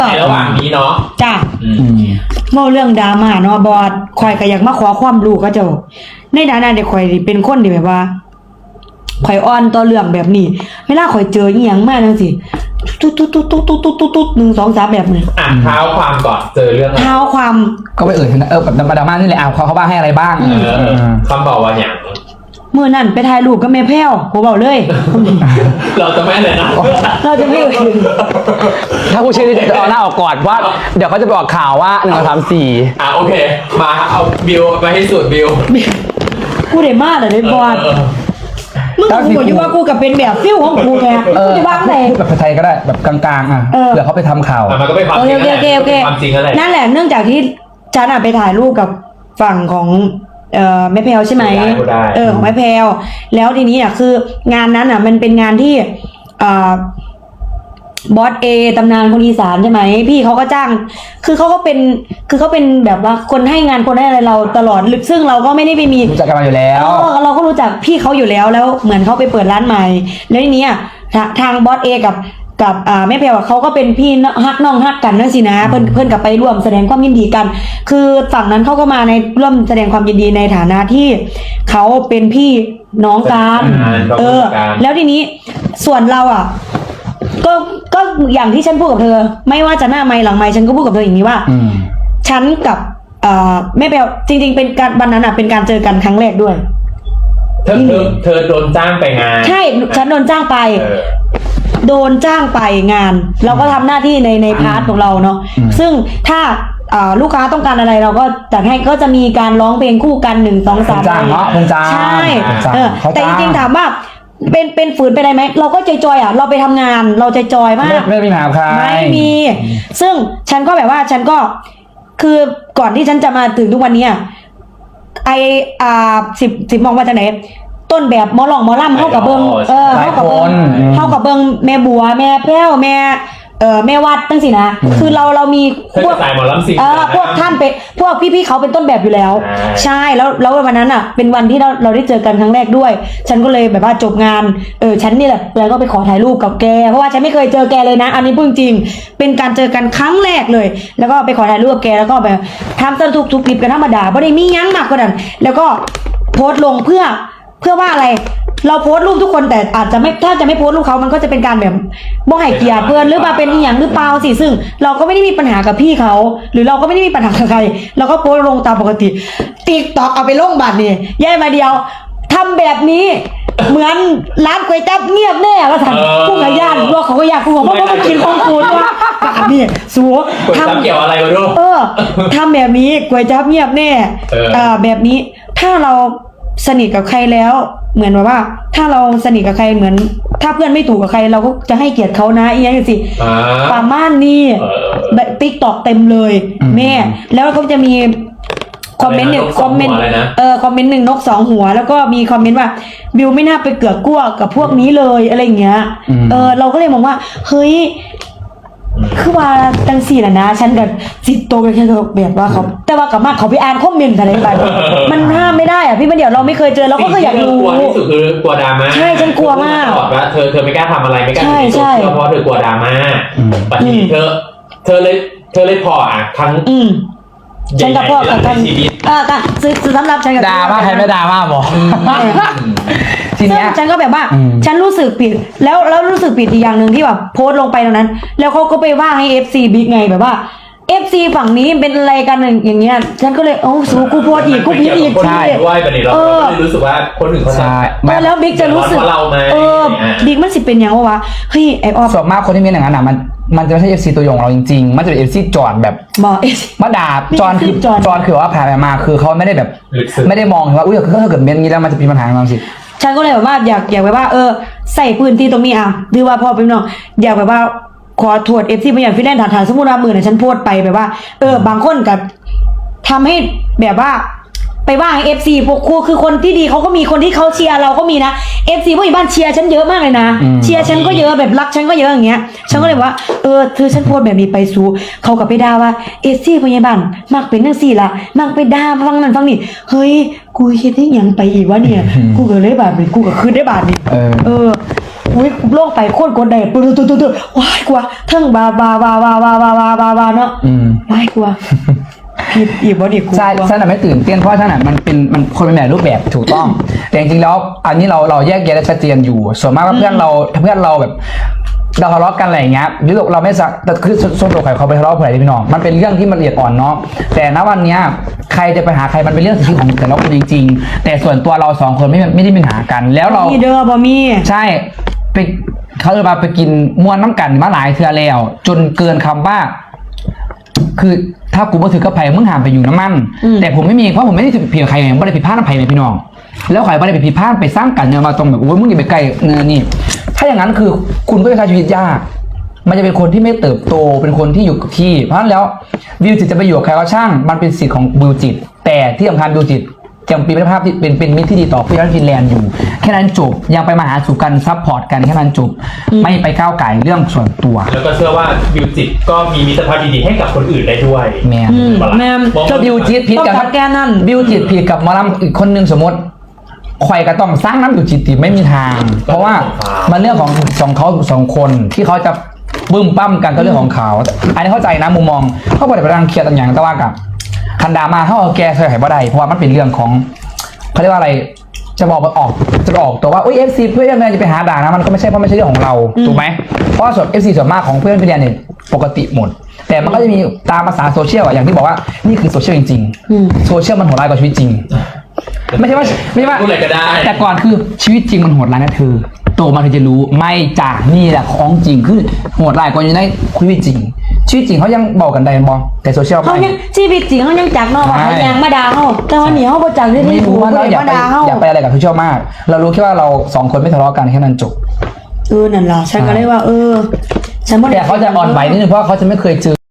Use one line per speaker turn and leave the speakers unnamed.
ในระหว่างนี้เนาะ
จ้ะเมื่อเรื่องดราม่าเนาะบอดข่อยก็อยากมาขอความรู้ก็เจ้าในฐานะเด็กข่อยเป็นคนที่แบบว่าข่อยอ่อนต่อเรื่องแบบนี้เวลาข่อยเจออีหยังมาจังซี่ตุ๊ด1 2 3แบบนี้
เท้าความก่อนเจอเรื่อง
เท้าความ
ก็ไปแบบดราม่านี่แหละเขาบ้างให้อะไรบ้าง
คำบอกว่าอย่าง
เมื่อนั้นไปถ่ายรูปกับแม่แพ้วผมบอกเลย
เราจะไม่เลยนะ
เราจะไม่
ถ้าผู้ชื่อจะเอาหน้าออกก่อนว่าเดี๋ยวเขาจะบอกข่าวว่า1 2 3 4
โอเคมาเอาบิวไปให้สุดบิว
กูได้มากเลยบอลมึงกับกูอยู่ว่ากูกับเป็นแบบฟิลของกูไงกูจะบ้างไหน
แบบไทยก็ได้แบบกลางๆเผื่อเขาไปทำข่าว
มันก็ไม่ความจริง
ความจริงอะไรนั่นแหละเนื่องจากที่ฉันไปถ่ายรูปกับฝั่งของแม่แพลวใช่ไหมของแม่แพลวแล้วทีนี้คืองานนั้นมันเป็นงานที่บอสเอตำนานคนอีสานใช่ไหมพี่เขาก็จ้างคือเขาเป็นแบบว่าคนให้งานคนให้อะไรเราตลอดซึ่งเราก็ไม่ได้ไปมี
รู้จักกันมาอยู่แล้ว
เราก็รู้จักพี่เขาอยู่แล้วเหมือนเขาไปเปิดร้านใหม่แล้วทีนี้ทางบอสเอกับแม่แพรวเขาก็เป็นพี่ฮักน้องฮักกันนั่นสินะเพื่อนกับไปร่วมแสดงความยินดีกันคือฝั่งนั้นเขาก็มาในร่วมแสดงความยินดีในฐานะที่เขาเป็นพี่น้องกันแล้วทีนี้ส่วนเราก็อย่างที่ฉันพูดกับเธอไม่ว่าจะหน้าไมค์หลังไมค์ฉันก็พูดกับเธออย่างนี้ว่าฉันกับแม่แพรวจริงๆเป็นการวันนั้นเป็นการเจอกันครั้งแรกด้วย
เธอโดนจ้างไปงาน
ใช่ฉันโดนจ้างไปโดนจ้างไปงานเราก็ทำหน้าที่ในพาร์ทของเราเนาะซึ่งถ้าลูกค้าต้องการอะไรเราก็จัดให้ก็จะมีการร้องเพลงคู่กัน1 2 3
จ้างเนาะ
ใช่แต่จริงๆถามว่าเป็นฝืนไปได้ไหมเราก็จอยเราไปทำงานเราจอยมาก
ไม่มีปัญหาใคร
ไม่มีซึ่งฉันก็แบบว่าฉันก็คือก่อนที่ฉันจะมาถึงทุกวันนี้สิบมองว่าจะไหนต้นแบบหมอหลองหมอล่ำเข้ากับเบิงเข้ากับเบิงแม่บัวแม่แพ้วแม่วัดตั้งสินะคือเรามี
พวกสายหมอลำสิ
พวกท่านเป็นพวกพี่ๆเขาเป็นต้นแบบอยู่แล้วใช่แล้ววันนั้นเป็นวันที่เราได้เจอกันครั้งแรกด้วยฉันก็เลยแบบว่าจบงานฉันนี่แหละแล้วก็ไปขอถ่ายรูปกับแกเพราะว่าฉันไม่เคยเจอแกเลยนะอันนี้พูดจริงเป็นการเจอกันครั้งแรกเลยแล้วก็ไปขอถ่ายรูปกับแกแล้วก็แบบทำสนุกทุกคลิปกันธรรมดาไม่ได้มียั้งมากกว่านั้นแล้วก็โพสต์ลงเพื่อว่าอะไรเราโพสต์รูปทุกคนแต่อาจจะไม่ถ้าจะไม่โพสต์รูปเขามันก็จะเป็นการแบบบ่ให้เกียรติเพื่อนหรือมาเป็นอย่างหรือเปล่าสิซึ่งเราก็ไม่ได้มีปัญหากับพี่เขาหรือเราก็ไม่ได้มีปัญหากับใครเราก็โพสต์ลงตามปกติTikTokเอาไปลงบัตรนี่แย่มาเดียวทำแบบนี้เหมือนร้านก๋วยจั๊บเงียบแน่ก็ทำผู้ขยันพวกเขาก็อยากกูบอกว่ามันกินของกูว่าแบบนี้สัว
ทำเกี่ยวอะไรวะลูก
ทำแบบนี้ก๋วยจั๊บเงียบแน่แบบนี้ถ้าเราสนิทกับใครแล้วเหมือนว่าถ้าเราสนิทกับใครเหมือนถ้าเพื่อนไม่ถูกกับใครเราก็จะให้เกียรติเขานะอีกอย่างสิประมาณนี้TikTokเต็มเลยแม่แล้วก็จะมีคอมเมนต์หนึ่งคอมเมนต์1นก2หัวแล้วก็มีคอมเมนต์ว่าบิวไม่น่าไปเกือกกลัวกับพวกนี้เลยอะไรอย่างเงี้ยเราก็เลยมองว่าเฮ้ยคือว่าจังสี่แหละนะฉันกับจิตโตไปแค่แบบว่าเขาแต่ว่ากับมากเขาไปอ่านคอมเมนต์อะไรไปมันห้ามไม่ได้พี่มันเดี๋ยวเราไม่เคยเจอเราก็อยากรู้
กลัวที่สุดคือกลัวดราม่า
ใช่ฉันกลัวมาก
บอกว่าเธอไม่กล้าทำอะไรไม่กล้าติดโซเชียลเพราะเธอกลัวดราม่าแต่ทีนี้เธอเลยพอทั้ง
ฉันกับพ่อกับท่านสำหรับฉันกับ
ดราม่าใครไม่ดราม่าบอก
ทีนี้ฉันก็แบบว่าฉันรู้สึกผิดแล้วรู้สึกผิดอีกอย่างหนึ่งที่แบบโพสต์ลงไปตรงนั้นแล้วเขาก็ไปว่าให้ FC บิ๊กไงแบบว่า FC ฝั่งนี้เป็นอะไรกันอย่างเงี้ยฉันก็เลยสู้กูโพสต์อีกกูผิดอีก
ใช่ด้วยประเด็นเรารู้สึกว่าคนอื่นเขาใช่
แล้วบิ๊กจะรู้สึกบิ๊กมันสิเป็นอย่างวะเฮ้ยไอออฟ
ส่วนมากคนที่มีอย่างนั้นมันจะไม่ใช่ FC ตัวยงเราจริงๆมันจะเป็น FC จอดแบบมาด่าจอนคือว่าแผ่มาคือเขาไม่ได้แบบไม่ได้มองว่าอุ้ยถ้าเกิดเป็นอย่างนี้แล้วมันจะมีปัญหาบางสิ
ฉันก็เลยแบบว่าอยากแบบว่าใส่พื้นที่ตรงนี้หรือว่าพอเป็นน้องอยากแบบว่าขอโทษ FC บางอย่างฟิแลนซ์ฐานสมมุติว่ามือเนี่ยฉันโพสต์ไปแบบว่าบางคนกับทำให้แบบว่าไปว่า FC พวกครูคือคนที่ดีเขาก็มีคนที่เขาเชียร์เราก็มีนะ FC พวกอีบ้านเชียร์ฉันเยอะมากเลยนะเชียร์ฉันก็เยอะแบบรักฉันก็เยอะอย่างเงี้ยฉันก็เลยว่าเธอฉันโพสต์แบบนี้ไปสู้เขากับไปด่าว่า FC พยาบาลมักเป็นจังซี่ล่ะมักไปด่าฟังนั่นฟังนี่เฮ้ยกูเฮ็ดได้หยังไปอีกวะเนี่ยกูก็เลยบาดนี่กูก็คืนได้บาดนี่อุ้ยโล่งไปโคตรกดได้ปุ๊บว้ายกว่าทั้งบาเนาะว้ายกว่าผิดอีกบ่ดีกู
ใช่ฉันน่ะไม่ตื่นเต้นเพราะฉันน่ะมันคนเป็นแบบรูปแบบถูกต้อง แต่จริงๆแล้วอันนี้เราแยกแยะได้ชัดเจนอยู่ส่วนมากว่าเพื่อนเราแบบเราทะเลาะกันอะไรอย่างเงี้ยหรือเราไม่สักแต่คือส่วนตัวใครเขาไปทะเลาะกับใครพี่น้องมันเป็นเรื่องที่มันละเอียดอ่อนเนาะแต่ณวันเนี้ยใครจะไปหาใครมันเป็นเรื่องสิทธิของแต่ละคนจริงๆแต่ส่วนตัวเราสองคนไม่ได้มีปัญหากันแล้วเรา
มีเด้อบอมี
ใช่ไปเขาจะมาไปกินมวนน้ำกันมาหลายเทื่อแล้วจนเกินคำว่า คือถ้ากูมาถือกับไผ่มึงหามไปอยู่น้ำมันแต่ผมไม่มีเพราะผมไม่ได้ผิดใครไงไม่ได้ผิดพลาดน้ำไผ่เลยพี่น้องแล้วใครไม่ได้ไปผิดพลาดไปสร้างกันเนี่ยมาตรงแบบโอ้ยมึงอย่าไปไกลเงินนี่ถ้าอย่างนั้นคือคุณก็จะใช้ชีวิตยากมันจะเป็นคนที่ไม่เติบโตเป็นคนที่อยู่กับที่เพราะฉะนั้นแล้ววิวจิตจะไปอยู่กับใครก็ช่างมันเป็นสิทธิ์ของวิวจิตแต่ที่สำคัญวิวจิตยังเป็นภาพที่เป็นมิตรที่ดีต่อผู้ย้อนฟินแลนด์อยู่แค่นั้นจบยังไปมาหาสู่กันซัพพอร์ตกันแค่นั้นจบไม่ไปก้าวไก่เรื่องส่วนตัว
แล้วก็เชื่อว่าบิวจิตก็มีมิตรภาพดีๆให้กับคนอื่นได้ด้วย
แม่ก็บิวจิตผิดกับ
แกนั่น
บิวจิตผิดกับหมอลำอีกคนนึงสมมติข่อยก็ต้องสร้างน้ำบิวจิตติไม่มีทาง เพราะว่ามันเรื่องของเขาสองคนที่เขาจะบึ้มปั้มกันก็เรื่องของเขาอันนี้เข้าใจนะมุมมองเขาบอกไปรังเครียดต่างอย่างแต่ว่ากับคันดามาเขาเอาแกใส่ไข่บ่ได้เพราะว่ามันเป็นเรื่องของเขาเรียกว่าอะไรจะบอกตัวว่าอุ้ย FC เพื่อนแม่จะไปหาด่านะมันก็ไม่ใช่เพราะไม่ใช่เรื่องของเราถูกไหมเพราะส่วน FC ส่วนมากของเพื่อนพี่เรียนเนี่ยปกติหมดแต่มันก็จะมีตามภาษาโซเชียลอย่างที่บอกว่านี่คือโซเชียลจริงๆโซเชียลมันโหดร้ายกว่าชีวิตจริงไม่ใช่ว่า
พูดอะไรก็ได้
แต่ก่อนคือชีวิตจริงมันโหดร้ายนะเธอโตมาเธอจะรู้ไม่จ้ะนี่แหละของจริงคือโหดร้ายกว่าอยู่ในชีวิตจริงชีวิตจริงเขายังบอกกันได้บอแต่โซเชียล
เขายังชีวิตจริงเขายังจักเนาะว่าเขายังมาด่าเขาแต่วันนี้เขาบ่จักที่
ไม่รู้ว่าเราอย่าไปอะไรกับโซเชียลมากเรารู้แค่ว่าเราสองคนไม่ทะเลาะกันแค่นั้นจบ
นั่นล่ะฉันก็เลยว่าฉันบ่ได้
แต่เขาจะอ่อนไหวนิดนึงเพราะเขาจะไม่เคยเจอ